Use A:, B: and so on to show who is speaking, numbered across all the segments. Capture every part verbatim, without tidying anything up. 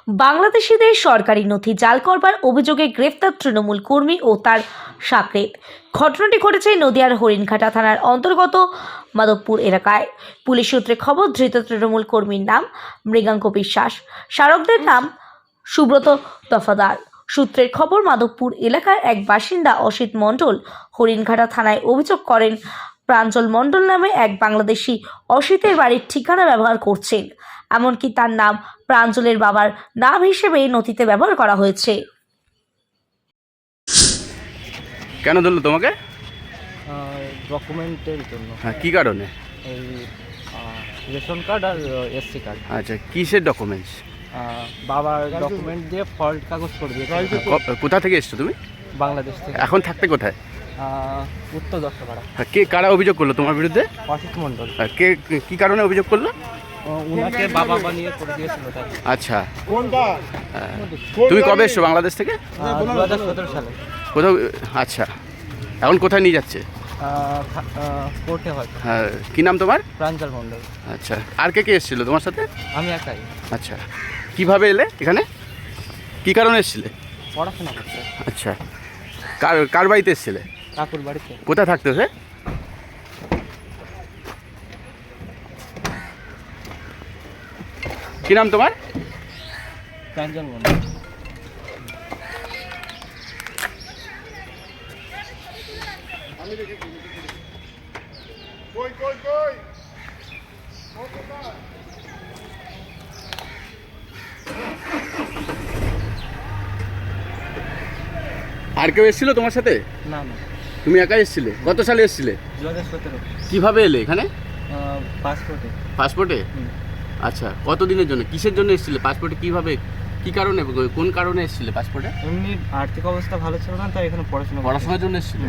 A: বাংলাদেশিদের সরকারি নথি জাল করবার অভিযোগে গ্রেফতার তৃণমূল কর্মী ও তার সাকরেত। ঘটনাটি ঘটেছে নদিয়ার হরিণঘাটা থানার অন্তর্গত মাধবপুর এলাকায়। পুলিশ সূত্রে খবর, ধৃত তৃণমূল কর্মীর নাম মৃগাঙ্ক বিশ্বাস, স্মারকদের নাম সুব্রত দফাদার। সূত্রের খবর, মাধবপুর এলাকার এক বাসিন্দা অসিত মণ্ডল হরিণঘাটা থানায় অভিযোগ করেন প্রাঞ্জল মণ্ডল নামে এক বাংলাদেশি অসিতের বাড়ির ঠিকানা ব্যবহার করছেন, এমনকি তার নাম প্রাঞ্জলের বাবার নাম হিসেবে নথিতে ব্যবহার করা হয়েছে।
B: কেন ধরলো তোমাকে?
C: ডকুমেন্টের জন্য।
B: হ্যাঁ, কী কারণে?
C: এই রেশন কার্ড আর এসসি কার্ড।
B: আচ্ছা, কিসের ডকুমেন্টস?
C: বাবার ডকুমেন্ট দিয়ে ফল্ট কাগজ করে দিয়েছে।
B: কোথা থেকে এসছো তুমি?
C: বাংলাদেশ থেকে।
B: এখন থাকতে কোথায়?
C: আহ, উত্তর দশপাড়া।
B: হ্যাঁ, কে কারা অভিযোগ করলো তোমার বিরুদ্ধে?
C: অসিত মণ্ডল।
B: হ্যাঁ, কে কী কারণে অভিযোগ করলো?
C: উনাকে বাবা বানিয়ে করে দিয়েছিল তাই।
B: আচ্ছা, হ্যাঁ। তুমি কবে এসছো বাংলাদেশ থেকে?
C: দু হাজার সতেরো সালে।
B: কোথাও? আচ্ছা, এখন কোথায় নিয়ে যাচ্ছে?
C: কোর্টে হয়।
B: হ্যাঁ, কী নাম তোমার?
C: প্রাঞ্জল মণ্ডল।
B: আচ্ছা, আর কে কে এসেছিলো তোমার সাথে?
C: আমি একাই।
B: আচ্ছা, কিভাবে এলে এখানে? কী কারণে এসেছিলে?
C: পড়াশোনা করতে।
B: আচ্ছা, কার কার বাড়িতে এসেছিলে?
C: কাকুর বাড়িতে।
B: কোথায় থাকতে সে? কী নাম তোমার?
C: প্রাঞ্জল মণ্ডল।
B: আর কেউ এসেছিল তোমার সাথে?
C: না না,
B: তুমি একাই এসেছিলে? কত সালে এসেছিলে?
C: দু হাজার সতেরো।
B: কীভাবে এলে এখানে?
C: পাসপোর্টে।
B: পাসপোর্টে? আচ্ছা, কত দিনের জন্য, কিসের জন্য এসেছিলে পাসপোর্টে? কীভাবে, কী কারণে, কোন কারণে এসেছিলে পাসপোর্টে?
C: এমনি আর্থিক অবস্থা ভালো ছিল না, তাই এখানে পড়াশোনা
B: পড়াশোনার জন্য এসেছিলে?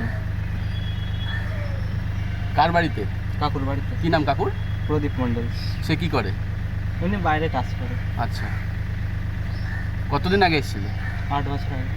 B: কার বাড়িতে?
C: কাকুর বাড়িতে।
B: কী নাম কাকুর?
C: প্রদীপ মণ্ডল।
B: সে কী করে?
C: এমনি বাইরে কাজ করে।
B: আচ্ছা, কতদিন আগে এসেছিলে?
C: আট বছর আগে।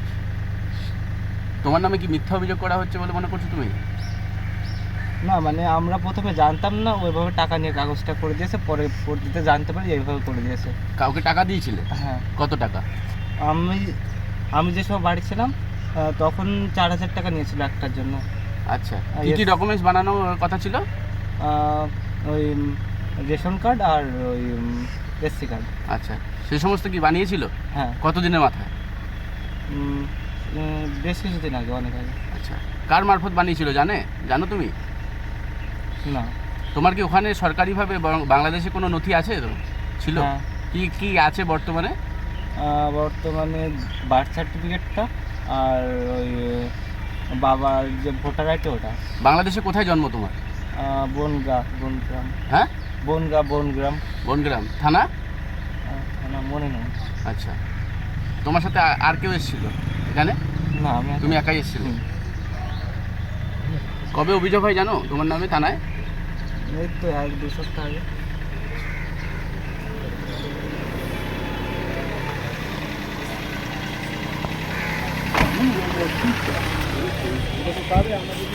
B: তোমার নামে কি মিথ্যা অভিযোগ করা হচ্ছে বলে মনে করছো তুমি?
C: না, মানে আমরা প্রথমে জানতাম না, ওইভাবে টাকা নিয়ে কাগজটা করে দিয়েছে, পরে পরবর্তীতে জানতে পারি এইভাবে করে দিয়েছে।
B: কাউকে টাকা দিয়েছিলে?
C: হ্যাঁ।
B: কত টাকা?
C: আমি আমি যে সময় বাড়ি ছিলাম তখন চার হাজার টাকা নিয়েছিল একটার জন্য।
B: আচ্ছা, কী কী ডকুমেন্টস বানানোর কথা ছিল?
C: ওই রেশন কার্ড আর ওই এসসি কার্ড।
B: আচ্ছা, সেই সমস্ত কি বানিয়েছিল?
C: হ্যাঁ।
B: কতদিনের মাথায়?
C: উম, উম, বেশ কিছুদিন আগে, অনেক আগে।
B: আচ্ছা, কার মারফত বানিয়েছিল জানে জানো তুমি?
C: না।
B: তোমার কি ওখানে সরকারিভাবে বাং- বাংলাদেশে কোনো নথি আছে তো? ছিল?
C: হ্যাঁ।
B: কি কি আছে বর্তমানে?
C: আহ, বর্তমানে বার্থ সার্টিফিকেটটা আর ওই বাবার যে ভোটার আইডি ওটা।
B: বাংলাদেশে কোথায় জন্ম তোমার?
C: আহ, বনগা বনগ্রাম।
B: হ্যাঁ,
C: বনগা বনগ্রাম।
B: বনগ্রাম থানা?
C: আহ, না, মনে নেই।
B: আচ্ছা, তোমার সাথে আ- আর কেউ এসেছিল এখানে?
C: না, আমি
B: তুমি একাই এসেছিলে?
C: হুম।
B: কবে অভিযোগ হয় জানো তোমার নামে থানায়?
C: এই তো এক দু সপ্তাহ আগে।